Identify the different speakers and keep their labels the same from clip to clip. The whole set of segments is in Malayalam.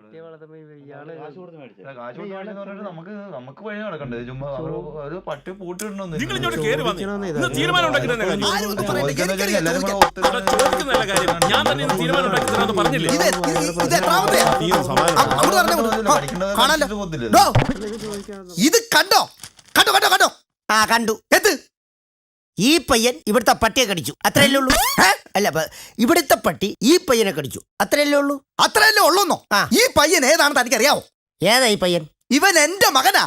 Speaker 1: പട്ടിയെ വളർത്തുമ്പോ ഇയാള്
Speaker 2: കാശ് കൊടുത്ത് മേടിച്ചത്.
Speaker 3: കാശ് കൊടുത്ത് മേടിച്ചെന്ന് പറഞ്ഞിട്ട് നമുക്ക് വഴി നടക്കണ്ടേ? ചുമ്മാ ഒരു പട്ടി പൂട്ടിടണമെന്ന്
Speaker 4: നിങ്ങൾ ഇങ്ങോട്ട് കേറി വന്നേ. ഇന്ന് തീരുമാനം ഉണ്ടാക്കി തന്നെ കാര്യം.
Speaker 3: എല്ലാരും കൂടെ
Speaker 4: ഇവിടെ ചോദിക്കുന്നതല്ല കാര്യം. ഞാൻ തന്നെ ഇന്ന് തീരുമാനം ഉണ്ടാക്കി തരാമെന്ന് പറഞ്ഞില്ലേ? നീ ഒന്ന് സമാധാനം.
Speaker 5: ഇത് കണ്ടോ കണ്ടോ കണ്ടോ കണ്ടോ?
Speaker 6: ആ കണ്ടു.
Speaker 5: എന്ത്?
Speaker 6: ഈ പയ്യൻ ഇവിടുത്തെ പട്ടിയെ കടിച്ചു, അത്രയല്ലേ ഉള്ളൂ. അല്ല, ഇവിടുത്തെ പട്ടി ഈ പയ്യനെ കടിച്ചു, അത്രയല്ലേ ഉള്ളൂ.
Speaker 5: അത്രയല്ലേ ഉള്ളൂന്നോ?
Speaker 6: ആ.
Speaker 5: ഈ പയ്യൻ ഏതാണെന്ന് തനിക്കറിയാവോ?
Speaker 6: ഏതാ ഈ പയ്യൻ?
Speaker 5: ഇവൻ എന്റെ മകനാ.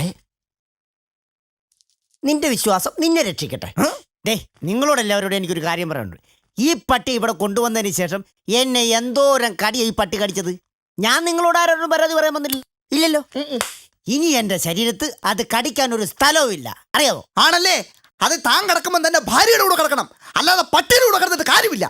Speaker 6: നിന്റെ വിശ്വാസം നിന്നെ രക്ഷിക്കട്ടെ. ഡേ, നിങ്ങളോടെല്ലാവരോടും എനിക്കൊരു കാര്യം പറയാനുണ്ട്. ഈ പട്ടി ഇവിടെ കൊണ്ടുവന്നതിന് ശേഷം എന്നെ എന്തോരം കടിയാ ഈ പട്ടി കടിച്ചത്. ഞാൻ നിങ്ങളോട് ആരോടും പരാതി പറയാൻ വന്നില്ല, ഇല്ലല്ലോ. ഇനി എന്റെ ശരീരത്ത് അത് കടിക്കാൻ ഒരു സ്ഥലവും ഇല്ല, അറിയാവോ?
Speaker 5: ആണല്ലേ? അത് താൻ കിടക്കുമ്പോൾ തന്നെ ഭാര്യയുടെ കൂടെ കിടക്കണം, അല്ലാതെ പട്ടിയുടെ കൂടെ കിടന്നിട്ട് കാര്യമില്ല.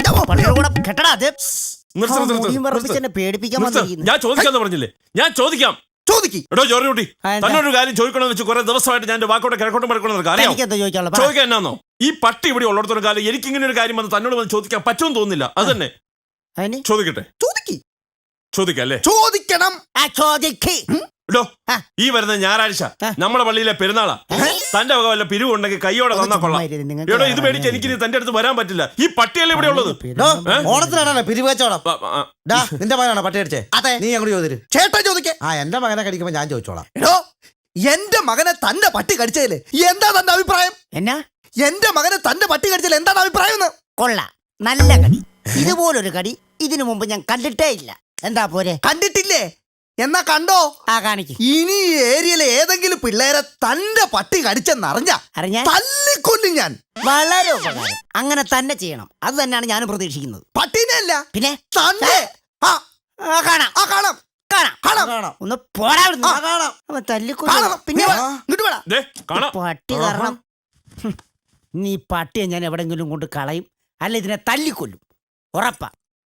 Speaker 6: എന്നെ പേടിപ്പിക്കാൻ വന്നിരിക്കുന്നു.
Speaker 4: ഞാൻ ചോദിക്കാന്ന് പറഞ്ഞില്ലേ? ഞാൻ ചോദിക്കാം.
Speaker 5: ചോദിക്ക്.
Speaker 4: എടോ ജോർജ് കുട്ടി, തന്നൊരു കാര്യം ചോദിക്കണമെന്ന് വെച്ച് കുറെ ദിവസമായിട്ട് ഞാൻ വാക്കോട്ടെ കിഴക്കോട്ടും പഴക്കണമെന്ന് അറിയാം. ചോദിക്കാൻ എന്നാന്നോ? ഈ പട്ടി ഇവിടെ ഉള്ളിടത്തോളം കാലം എനിക്ക് ഇങ്ങനെ ഒരു കാര്യം വന്ന് തന്നോട് വന്ന് ചോദിക്കാൻ പറ്റുമെന്ന് തോന്നുന്നില്ല. അത് തന്നെ ചോദിക്കട്ടെ.
Speaker 5: ചോദിക്ക്.
Speaker 4: ചോദിക്കാം അല്ലേ?
Speaker 5: ചോദിക്കണം.
Speaker 4: എടോ, ഈ വരുന്ന ഞായറാഴ്ച നമ്മുടെ പള്ളിയിലെ പെരുന്നാളാ. തന്റെ വക വല്ല പിരിവുണ്ടെങ്കിൽ കൈയോടെ തന്നാ കൊള്ളാം. എടോ, ഇത് മേടിച്ച് എനിക്ക് തന്റെ അടുത്ത് വരാൻ പറ്റില്ല. ഈ പട്ടിയല്ലേ ഇവിടെ ഉള്ളത്?
Speaker 1: ഓണത്തിനാണോ പിരിവ് കച്ചവടം? നിന്റെ മകനാണോ പട്ടി അടിച്ചേ?
Speaker 5: അതെ.
Speaker 1: നീ അങ്ങോട്ട് ചോദിച്ചു.
Speaker 5: ചേട്ടാ ചോദിക്കേ.
Speaker 1: ആ, എന്റെ മകനെ കടിക്കുമ്പോ ഞാൻ ചോദിച്ചോളാം.
Speaker 5: എടോ, എന്റെ മകനെ തന്റെ പട്ടി കടിച്ചതില് എന്താ തന്റെ അഭിപ്രായം?
Speaker 6: എന്നാ?
Speaker 5: എന്റെ മകനെ തന്റെ പട്ടി കടിച്ചതിൽ എന്താണ് അഭിപ്രായം?
Speaker 6: കൊള്ളാം, നല്ല കടി. ഇതുപോലൊരു കടി ഇതിനു മുമ്പ് ഞാൻ കണ്ടിട്ടേ ഇല്ല. എന്താ പോരെ?
Speaker 5: കണ്ടിട്ടില്ലേ? എന്നാ കണ്ടോ?
Speaker 6: ആ, കാണിക്ക്.
Speaker 5: ഇനി ഈ ഏരിയയിലെ ഏതെങ്കിലും പിള്ളേരെ തന്റെ പട്ടി കടിച്ചെന്നറിഞ്ഞ തല്ലിക്കൊല്ലും ഞാൻ.
Speaker 6: വളരെ ഉപകാരം. അങ്ങനെ തന്നെ ചെയ്യണം. അത് തന്നെയാണ് ഞാനും പ്രതീക്ഷിക്കുന്നത്.
Speaker 5: പട്ടീനെ അല്ല,
Speaker 6: പിന്നെ
Speaker 5: തന്നെ.
Speaker 6: കാണാം
Speaker 5: കാണാം
Speaker 6: കാണാം. ഒന്ന് പോരാ തല്ലിക്കൊല്ലും. പിന്നെ പട്ടി കാരണം നീ പട്ടിയെ ഞാൻ എവിടെങ്കിലും കൊണ്ട് കളയും, അല്ല ഇതിനെ തല്ലിക്കൊല്ലും, ഉറപ്പാ.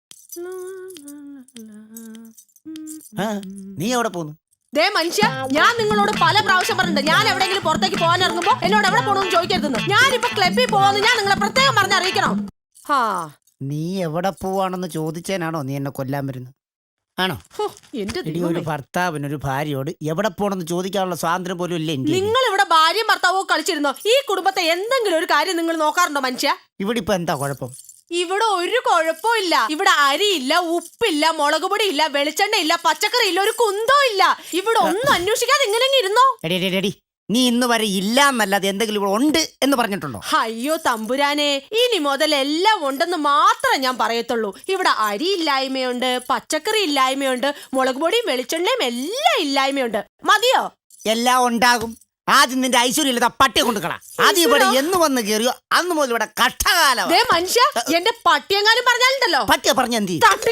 Speaker 6: നീ എവിടെ പോന്നു?
Speaker 7: ദേ മനുഷ്യ, ഞാൻ നിങ്ങളോട് പല പ്രാവശ്യം പറഞ്ഞിട്ടുണ്ട്, ഞാൻ എവിടെയെങ്കിലും പുറത്തേക്ക് പോകാൻ ഇറങ്ങുമ്പോ എന്നോട് എവിടെ പോകണമെന്ന് ചോദിക്കരുതെന്ന്. ഞാനിപ്പോ ക്ലബിൽ പോവാന്ന് ഞാൻ നിങ്ങളെ പ്രത്യേകം പറഞ്ഞറിയിക്കണം.
Speaker 6: നീ എവിടെ പോവാണെന്ന് ചോദിച്ചേനാണോ നീ എന്നെ കൊല്ലാൻ വരുന്നത്? ആണോ? എന്റെ ഒരു ഭർത്താവിനൊരു ഭാര്യയോട് എവിടെ പോണെന്ന് ചോദിക്കാനുള്ള സ്വാതന്ത്ര്യം പോലും ഇല്ലേ?
Speaker 7: നിങ്ങൾ ഇവിടെ ഭാര്യയും ഭർത്താവോ കളിച്ചിരുന്നോ? ഈ കുടുംബത്തെ എന്തെങ്കിലും ഒരു കാര്യം നിങ്ങൾ നോക്കാറുണ്ടോ മനുഷ്യ?
Speaker 6: ഇവിടെ ഇപ്പൊ എന്താ കുഴപ്പം?
Speaker 7: ഇവിടെ ഒരു കുഴപ്പമില്ല. ഇവിടെ അരിയില്ല, ഉപ്പില്ല, മുളക് പൊടി ഇല്ല, വെളിച്ചെണ്ണ ഇല്ല, പച്ചക്കറി ഇല്ല, ഒരു കുന്തോ ഇല്ല. ഇവിടെ ഒന്നും അന്വേഷിക്കാതെ ഇങ്ങനെ ഇരുന്നോ?
Speaker 6: നീ ഇന്ന് വരെ ഇല്ല എന്നല്ലാതെ എന്തെങ്കിലും ഇവിടെ ഉണ്ട് എന്ന് പറഞ്ഞിട്ടുണ്ടോ?
Speaker 7: അയ്യോ തമ്പുരാനെ, ഇനി മുതൽ എല്ലാം ഉണ്ടെന്ന് മാത്രമേ ഞാൻ പറയത്തുള്ളൂ. ഇവിടെ അരി ഇല്ലായ്മയുണ്ട്, പച്ചക്കറി ഇല്ലായ്മയുണ്ട്, മുളക് പൊടിയും വെളിച്ചെണ്ണയും എല്ലാം ഇല്ലായ്മയുണ്ട്. മതിയോ?
Speaker 6: എല്ലാം ഉണ്ടാകും. ആദ്യം നിന്റെ ഐശ്വര്യമില്ലാത്ത പട്ടിയെ കൊണ്ടുകളാ. ആദ്യം ഇവിടെ എന്ന് വന്ന് കയറിയോ അന്ന് മുതൽ ഇവിടെ കഷ്ടകാലം.
Speaker 7: മനുഷ്യ, എന്റെ പട്ടിയെങ്ങാനും പറഞ്ഞാലുണ്ടല്ലോ,
Speaker 6: പട്ടിയെ പറഞ്ഞ എന്ത്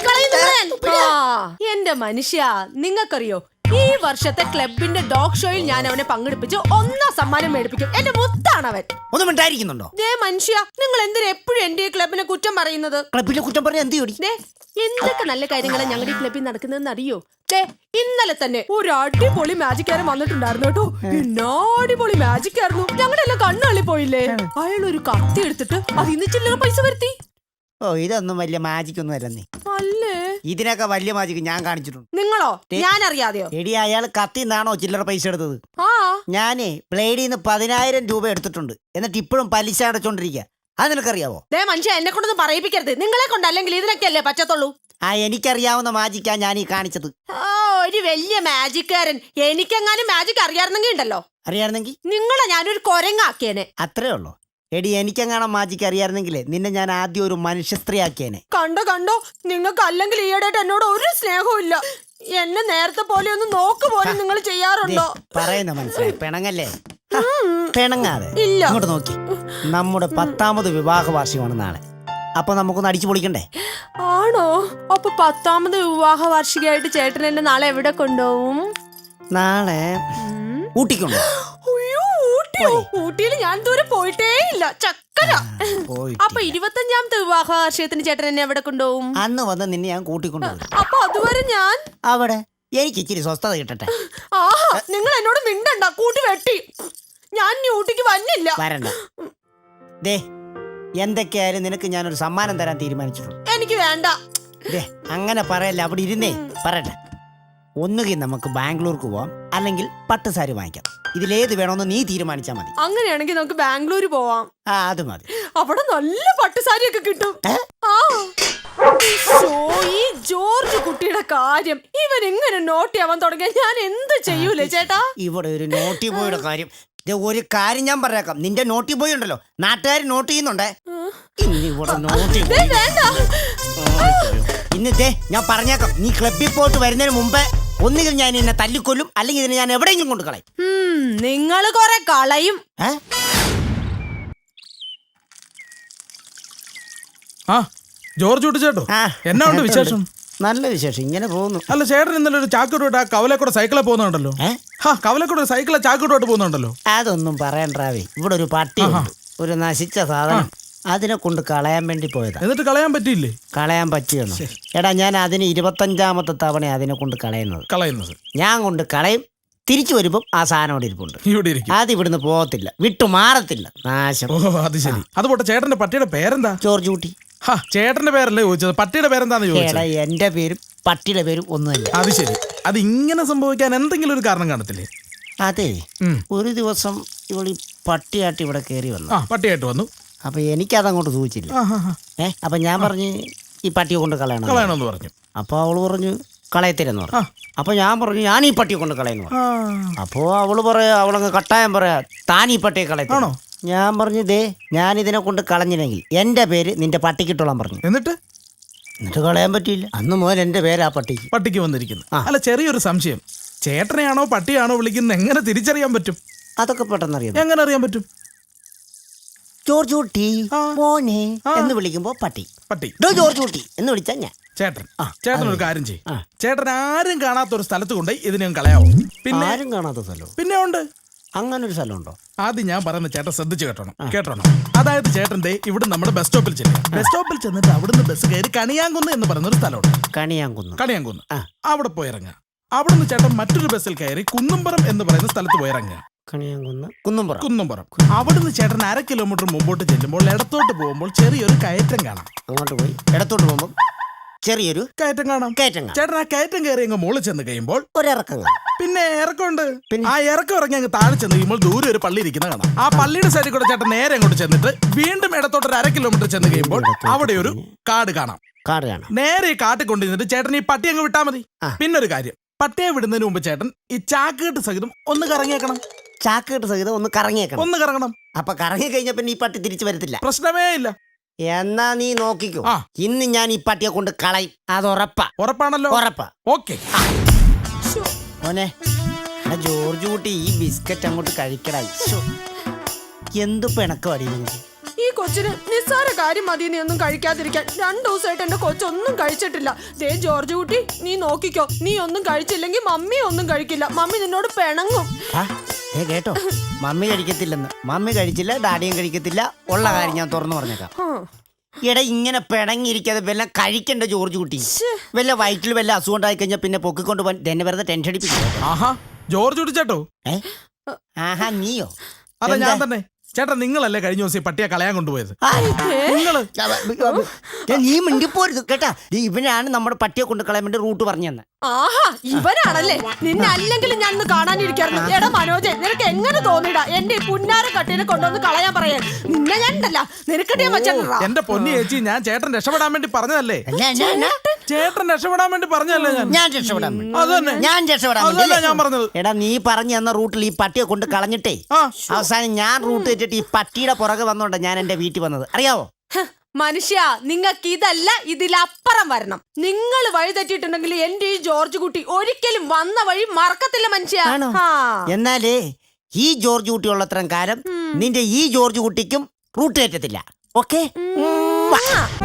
Speaker 7: എന്റെ മനുഷ്യ, നിങ്ങൾക്കറിയോ ഈ വർഷത്തെ ക്ലബിന്റെ ഡോഗ് ഷോയിൽ ഞാൻ അവനെ പങ്കെടുപ്പിച്ച് 1 സമ്മാനം മേടിപ്പിക്കും. എന്റെ മുത്താണ് അവൻ.
Speaker 6: ഒന്നും ഉണ്ടായിരിക്കുന്നുണ്ടോ?
Speaker 7: മനുഷ്യ, നിങ്ങൾ എന്തിനാ എപ്പോഴും എന്റെ ഈ ക്ലബിനെ കുറ്റം പറയുന്നത്?
Speaker 6: ക്ലബിനെ കുറ്റം പറഞ്ഞ എന്ത്?
Speaker 7: എന്തൊക്കെ നല്ല കാര്യങ്ങളാണ് ഞങ്ങളുടെ ഈ ക്ലബിൽ നടക്കുന്നതെന്ന് അറിയോ? ഇന്നലെ തന്നെ ഒരു അടിപൊളി മാജിക്കാരൻ വന്നിട്ടുണ്ടായിരുന്നു കേട്ടോ. അടിപൊളി മാജിക്കായിരുന്നു. ഞങ്ങളുടെ എല്ലാം കണ്ണുള്ളി പോയില്ലേ? അയാൾ ഒരു കത്തി എടുത്തിട്ട് അത് ഇന്ന് ചില്ലറ പൈസ വരുത്തി.
Speaker 6: ഓ, ഇതൊന്നും വലിയ മാജിക് ഒന്നും അല്ലേ.
Speaker 7: അല്ലേ?
Speaker 6: ഇതിനൊക്കെ വലിയ മാജിക് ഞാൻ കാണിച്ചിട്ടുണ്ട്.
Speaker 7: നിങ്ങളോ? ഞാൻ അറിയാതെയോ?
Speaker 6: എടി, അയാൾ കത്തിന്നാണോ ചില്ലറ പൈസ എടുത്തത്? ഞാനേ ബ്ലേഡിന്ന് 10,000 രൂപ എടുത്തിട്ടുണ്ട്. എന്നിട്ട് ഇപ്പോഴും പലിശ അടച്ചോണ്ടിരിക്കുക. അത് നിനക്കറിയാവോ?
Speaker 7: മനുഷ്യ, എന്നെ കൊണ്ടൊന്നും പറയിപ്പിക്കരുത്. നിങ്ങളെ കൊണ്ട് അല്ലെങ്കിൽ ഇതിനൊക്കെ അല്ലേ പറ്റത്തുള്ളൂ.
Speaker 6: എനിക്കറിയാവുന്ന മാജിക്കാ ഞാൻ ഈ കാണിച്ചത്.
Speaker 7: ഒരു വലിയ മാജിക്കാരൻ. എനിക്കെങ്ങാനും മാജിക് അറിയാറുന്നെങ്കിൽ ഉണ്ടല്ലോ,
Speaker 6: അറിയാറുന്നെങ്കിൽ
Speaker 7: നിങ്ങളെ ഞാനൊരു കൊരങ്ങാക്കിയേനെ.
Speaker 6: അത്രേ ഉള്ളൂ. എടി, എനിക്കെങ്ങാനും മാജിക്ക് അറിയാറുന്നെങ്കിലേ നിന്നെ ഞാൻ ആദ്യം ഒരു മനുഷ്യ സ്ത്രീ ആക്കിയേനെ.
Speaker 7: കണ്ടോ, നിങ്ങൾക്ക് അല്ലെങ്കിൽ ഈയിടെയായിട്ട് എന്നോട് ഒരു സ്നേഹവും ഇല്ല. എന്നെ നേരത്തെ പോലെ ഒന്ന് നോക്ക് പോലെ നിങ്ങൾ ചെയ്യാറുണ്ടോ?
Speaker 6: പറയുന്ന മനസ്സിലായി. പിണങ്ങല്ലേ? പിണങ്ങാതെ ഇങ്ങോട്ട് നോക്കി. നമ്മുടെ 10ാമത് വിവാഹ വാർഷികമാണ് നാളെ. അപ്പൊ നമുക്കൊന്ന് അടിച്ചു പൊളിക്കണ്ടേ?
Speaker 7: ആണോ? അപ്പൊ 10ാമത് വിവാഹ വാർഷികമായിട്ട് ചേട്ടൻ എന്നെ നാളെ എവിടെ കൊണ്ടുപോകും?
Speaker 6: നാളെ ഊട്ടിക്കൊണ്ടു.
Speaker 7: ഊട്ടിയിൽ ഞാൻ ദൂരെ പോയിട്ടേ ഇല്ല. ചക്കര. അപ്പൊ 25ാമത്തെ വിവാഹ വാർഷികത്തിന് ചേട്ടൻ എന്നെ എവിടെ കൊണ്ടുപോകും?
Speaker 6: അന്ന് വന്ന് നിന്നെ ഞാൻ കൂട്ടിക്കൊണ്ടുപോകും.
Speaker 7: അപ്പൊ അതുവരെ ഞാൻ
Speaker 6: അവിടെ എനിക്ക് ഇച്ചിരി സ്വസ്ഥത കിട്ടട്ടെ.
Speaker 7: നിങ്ങൾ എന്നോട് മിണ്ടണ്ട, കൂട്ടി വെട്ടി. ഞാൻ ഊട്ടിക്ക് വന്നില്ല.
Speaker 6: വരണ്ട. എന്തൊക്കെയായാലും നിനക്ക് ഞാനൊരു സമ്മാനം തരാൻ തീരുമാനിച്ചിട്ടുണ്ട്.
Speaker 7: എനിക്ക് വേണ്ട.
Speaker 6: അങ്ങനെ പറയല്ല, അവിടെ ഇരുന്നേ പറയട്ടെ. ഒന്നുകിൽ നമുക്ക് ബാംഗ്ലൂർക്ക് പോവാം, അല്ലെങ്കിൽ പട്ടുസാരി വാങ്ങിക്കാം. ഇതിലേത് വേണമെന്ന് നീ തീരുമാനിച്ചാൽ മതി.
Speaker 7: അങ്ങനെയാണെങ്കിൽ നമുക്ക് ബാംഗ്ലൂർ പോവാം.
Speaker 6: അത് മതി.
Speaker 7: അവിടെ നല്ല പട്ടുസാരിയൊക്കെ കിട്ടും. ആ ശോ, ഈ ജോർജ് കുട്ടിയുടെ കാര്യം ഇവൻ ഇങ്ങനെ നോട്ടിയാവാൻ തുടങ്ങിയ ഞാൻ എന്ത് ചെയ്യൂലേ ചേട്ടാ?
Speaker 6: ഇവിടെ ഒരു നോട്ടി ബോയുടെ കാര്യം. ഒരു കാര്യം ഞാൻ പറഞ്ഞേക്കാം, നിന്റെ നോട്ടി ബോയ് ഉണ്ടല്ലോ, നാട്ടുകാർ നോട്ട് ചെയ്യുന്നുണ്ടേ. ഇന്ന് ഇവിടെ നോട്ടി
Speaker 7: വേണ്ട.
Speaker 6: ഇന്നത്തെ ഞാൻ പറഞ്ഞേക്കാം, നീ ക്ലബിൽ പോയിട്ട് വരുന്നതിന് മുമ്പേ ഒന്നുകിൽ ഞാൻ എന്നെ തല്ലിക്കൊല്ലും, അല്ലെങ്കിൽ ഇതിനെ ഞാൻ എവിടെയെങ്കിലും കൊണ്ട് കളയും.
Speaker 7: നിങ്ങള് കൊറേ കളയും.
Speaker 2: ആ ജോർജ് കുട്ടി ചേട്ടോ, എന്നാ ഉണ്ട് വിശേഷം?
Speaker 6: നല്ല വിശേഷം, ഇങ്ങനെ പോകുന്നു.
Speaker 2: അല്ല ചേട്ടൻ ഇന്നലെ ഒരു ചാക്കിട്ടോട്ട് ആ കവലക്കൂടെ സൈക്കിളെ പോകുന്നുണ്ടല്ലോ. കവലക്കൂടെ സൈക്കിളെ ചാക്കിട്ടോട്ട് പോകുന്നുണ്ടല്ലോ.
Speaker 6: അതൊന്നും പറയണ്ടാവേ, ഇവിടെ ഒരു പട്ടിയുണ്ട്, ഒരു നശിച്ച സാധനം, അതിനെ കൊണ്ട് കളയാൻ വേണ്ടി പോയതാ.
Speaker 2: എന്നിട്ട് കളയാൻ പറ്റിയില്ലേ?
Speaker 6: കളയാൻ പറ്റിയെന്നു. എടാ, ഞാൻ അതിന് 25ാമത്തെ തവണ അതിനെ കൊണ്ട് കളയുന്നത്. ഞാൻ കൊണ്ട് കളയും, തിരിച്ചു വരുമ്പം ആ സാധനം അവിടെ ഇരിപ്പുണ്ട്.
Speaker 2: ഇവിടെ ഇരിക്കും.
Speaker 6: അത് ഇവിടുന്ന് പോകത്തില്ല, വിട്ടു മാറത്തില്ല, നാശം.
Speaker 2: ഓ അത് ശരി. അതുപോട്ടെ, ചേട്ടന്റെ പട്ടിയുടെ പേരെന്താ?
Speaker 6: ജോർജ് കുട്ടി.
Speaker 2: ചേട്ടന്റെ പേരല്ലേ ചോദിച്ചത്, പട്ടിയുടെ പേരെന്താന്ന് ചോദിച്ചത്.
Speaker 6: എന്റെ പേരും പട്ടിയുടെ പേരും ഒന്നുമല്ല.
Speaker 2: അത് ശരി. അത് ഇങ്ങനെ സംഭവിക്കാൻ എന്തെങ്കിലും ഒരു കാരണം കാണത്തില്ലേ?
Speaker 6: അതെ, ഒരു ദിവസം ഇവിടെ പട്ടിയായിട്ട് ഇവിടെ കയറി വന്നു.
Speaker 2: പട്ടിയായിട്ട് വന്നു.
Speaker 6: അപ്പൊ എനിക്കതങ്ങോട്ട് സൂചിച്ചില്ല. അപ്പൊ ഞാൻ പറഞ്ഞു ഈ പട്ടിയെ കൊണ്ട്
Speaker 2: കളയണമെന്ന് പറഞ്ഞു.
Speaker 6: അപ്പൊ അവള് പറഞ്ഞു കളയത്തില്ലെന്ന് പറഞ്ഞു. അപ്പൊ ഞാൻ പറഞ്ഞു ഞാൻ ഈ പട്ടിയെ കൊണ്ട് കളയുന്നു പറഞ്ഞു. അപ്പോ അവള് പറയാ, അവളങ്ങ് കട്ടായം പറയാ, താൻ ഈ പട്ടിയെ കളയത്താണോ? ഞാൻ പറഞ്ഞു, ദേ ഞാൻ ഇതിനെ കൊണ്ട് കളഞ്ഞില്ലെങ്കിൽ എന്റെ പേര് നിന്റെ പട്ടിക്കിട്ടോളാൻ പറഞ്ഞു.
Speaker 2: എന്നിട്ട്
Speaker 6: കളയാൻ പറ്റിയില്ല. അന്ന് മുതൽ എന്റെ പേര് ആ പട്ടിക്ക്
Speaker 2: വന്നിരിക്കുന്നു. അല്ല, ചെറിയൊരു സംശയം, ചേട്ടനെയാണോ പട്ടിയാണോ വിളിക്കുന്നത് എങ്ങനെ തിരിച്ചറിയാൻ പറ്റും?
Speaker 6: അതൊക്കെ പെട്ടെന്ന് അറിയാം.
Speaker 2: എങ്ങനെ അറിയാൻ പറ്റും?
Speaker 6: ജോർജ് കുട്ടി മോനെ എന്ന് വിളിക്കുമ്പോ പട്ടി ജോർജ് കുട്ടി എന്ന് വിളിച്ചാ ഞാൻ
Speaker 2: ചേട്ടൻ ഒരു കാര്യം ചെയ്യും. ചേട്ടൻ ആരും കാണാത്ത ഒരു സ്ഥലത്ത് കൊണ്ട് ഇതിനെ കളയാവോ? പിന്നെ
Speaker 6: ആരും കാണാത്ത സ്ഥലം
Speaker 2: പിന്നെ ഉണ്ട്.
Speaker 6: അങ്ങനെ ഒരു സ്ഥലമുണ്ടോ?
Speaker 2: ആദ്യം ഞാൻ പറയുന്ന ചേട്ടൻ ശ്രദ്ധിച്ച് കേട്ടോണം. അതായത് ചേട്ടന്റെ ഇവിടെ നമ്മുടെ ബസ് സ്റ്റോപ്പിൽ ചെന്നിട്ട് അവിടുന്ന് ബസ് കയറി കണിയാങ്കുന്ന് എന്ന് പറയുന്ന ഒരു സ്ഥലമുണ്ട്. കണിയാങ്കുന്ന് അവിടെ പോയി ഇറങ്ങുക. അവിടുന്ന് ചേട്ടൻ മറ്റൊരു ബസ്സിൽ കയറി കുന്നുംപുറം എന്ന് പറയുന്ന സ്ഥലത്ത് പോയി ഇറങ്ങുക. കുന്നുംപുറം. അവിടുന്ന് ചേട്ടൻ 1/2 കിലോമീറ്റർ മുമ്പോട്ട് ചെല്ലുമ്പോൾ ഇടത്തോട്ട് പോകുമ്പോൾ ചെറിയൊരു കയറ്റം കാണാം.
Speaker 6: അങ്ങോട്ട് പോയി ഇടത്തോട്ട് പോകുമ്പോൾ ചെറിയൊരു
Speaker 2: കയറ്റം കാണാം. ചേട്ടൻ ആ കയറ്റം കയറി അങ്ങ് മുകളിൽ ചെന്ന് കഴിയുമ്പോൾ
Speaker 6: ഒരിറക്കം.
Speaker 2: പിന്നെ ഇറക്കമുണ്ട്. ആ ഇറക്കം ഇറങ്ങി അങ്ങ് താഴെ ചെന്ന് കഴിയുമ്പോൾ ദൂരെ ഒരു പള്ളി ഇരിക്കുന്ന കാണാം. ആ പള്ളിയുടെ സൈഡിൽ കൂടെ ചേട്ടൻ നേരെ അങ്ങോട്ട് ചെന്നിട്ട് വീണ്ടും ഇടത്തോട്ട് 1/2 കിലോമീറ്റർ ചെന്ന് കഴിയുമ്പോൾ അവിടെ ഒരു കാട് കാണാം. നേരെ ഈ കാട്ടിൽ കൊണ്ടുവന്നിട്ട് ചേട്ടൻ ഈ പട്ടി അങ്ങ് വിട്ടാൽ മതി. പിന്നെ ഒരു കാര്യം, പട്ടിയെ വിടുന്നതിന് മുമ്പ് ചേട്ടൻ ഈ ചാക്കുകെട്ട് സഹിതം ഒന്ന് കറങ്ങിയേക്കണം.
Speaker 6: ചാക്കുകെട്ട് സഹിതം ഒന്ന്
Speaker 2: കറങ്ങണം.
Speaker 6: അപ്പൊ കറങ്ങി കഴിഞ്ഞ പിന്നെ ഈ പട്ടി തിരിച്ചു വരത്തില്ല.
Speaker 2: പ്രശ്നമേ ഇല്ല.
Speaker 6: എന്നാ നീ നോക്കിക്കോ, ഇന്ന് ഞാൻ ഈ പട്ടിയെ കൊണ്ട് കളയും. അത്
Speaker 2: ഉറപ്പാണല്ലോ?
Speaker 6: ഉറപ്പാ.
Speaker 2: ഓക്കെ
Speaker 6: മോനെ, ജോർജ് കുട്ടി ഈ ബിസ്ക്കറ്റ് അങ്ങോട്ട് കഴിക്കടായി. എന്ത് പിണക്കം അടിയുന്നത്
Speaker 7: ഈ കൊച്ചിന് നിസ്സാര കാര്യം മതി നീ ഒന്നും കഴിക്കാതിരിക്കാൻ. 2 ദിവസമായിട്ട് എന്റെ കൊച്ചൊന്നും കഴിച്ചിട്ടില്ല. ദേ ജോർജ് കുട്ടി, നീ നോക്കിക്കോ, നീ ഒന്നും കഴിച്ചില്ലെങ്കിൽ മമ്മി ഒന്നും കഴിക്കില്ല. മമ്മി നിന്നോട് പിണങ്ങും.
Speaker 6: കേട്ടോ, മമ്മി കഴിക്കത്തില്ലെന്ന്. മമ്മി കഴിച്ചില്ല, ഡാഡിയും കഴിക്കത്തില്ല. ഉള്ള കാര്യം ഞാൻ തുറന്നു പറഞ്ഞേക്കാം. എടാ, ഇങ്ങനെ പിണങ്ങിയിരിക്കാതെ വല്ല കഴിക്കണ്ട ജോർജ് കുട്ടി. വല്ല വയറ്റിൽ വല്ല അസുഖം ഉണ്ടായി കഴിഞ്ഞാൽ പിന്നെ പൊക്കിക്കൊണ്ട് പോകാൻ തന്നെ വെറുതെ ടെൻഷൻ അടിപ്പിക്കും.
Speaker 2: ജോർജ് കുട്ടി ചേട്ടോ?
Speaker 6: ആഹാ, നീയോ?
Speaker 2: അതെ, ഞാൻ തന്നെ. ചേട്ടാ, നിങ്ങളല്ലേ കഴിഞ്ഞ ദിവസം പട്ടിയെ കളയാൻ കൊണ്ടുപോയത്?
Speaker 6: നീ മിണ്ടിപ്പോരുത് കേട്ടാ. ഇവനാണ് നമ്മുടെ പട്ടിയെ കൊണ്ട് കളയാൻ വേണ്ടി റൂട്ട് പറഞ്ഞു തന്നെ.
Speaker 7: ആഹാ, ഇവനാണല്ലേ. നിന്നെ അല്ലെങ്കിലും ഞാൻ കാണാനിരിക്കായിരുന്നു. എടാ മനോജെ, നിനക്ക് എങ്ങനെ തോന്നിടാ എന്റെ ഈ പുന്നാര കട്ടിനെ കൊണ്ടുവന്ന് കളയാൻ പറയാൻ? നിന്നെ ഞാൻ ഉണ്ടല്ല നിനക്കട്ടിയാ വെച്ചാ.
Speaker 2: എന്റെ പൊന്നി ചേച്ചി, ഞാൻ ചേട്ടൻ രക്ഷപ്പെടാൻ വേണ്ടി പറഞ്ഞതല്ലേ? ചേട്ടൻ രക്ഷപ്പെടാൻ വേണ്ടി പറഞ്ഞല്ലേ? ഞാൻ പറഞ്ഞത്.
Speaker 6: എടാ, നീ പറഞ്ഞു തന്ന റൂട്ടിൽ ഈ പട്ടിയെ കൊണ്ട് കളഞ്ഞിട്ടേ അവസാനം ഞാൻ റൂട്ട് വെച്ചിട്ട് ഈ പട്ടിയുടെ പുറകെ വന്നോണ്ട ഞാൻ എന്റെ വീട്ടിൽ വന്നത്, അറിയാവോ?
Speaker 7: മനുഷ്യ, നിങ്ങൾക്ക് ഇതല്ല ഇതിലപ്പുറം വരണം. നിങ്ങൾ വഴി തെറ്റിയിട്ടുണ്ടെങ്കിൽ എന്റെ ഈ ജോർജ് കുട്ടി ഒരിക്കലും വന്ന വഴി മറക്കത്തില്ല മനുഷ്യ.
Speaker 6: എന്നാലേ ഈ ജോർജ് കുട്ടി ഉള്ളത്രയും കാലം നിന്റെ ഈ ജോർജ് കുട്ടിക്കും റൂട്ട് തെറ്റത്തില്ല. ഓക്കെ?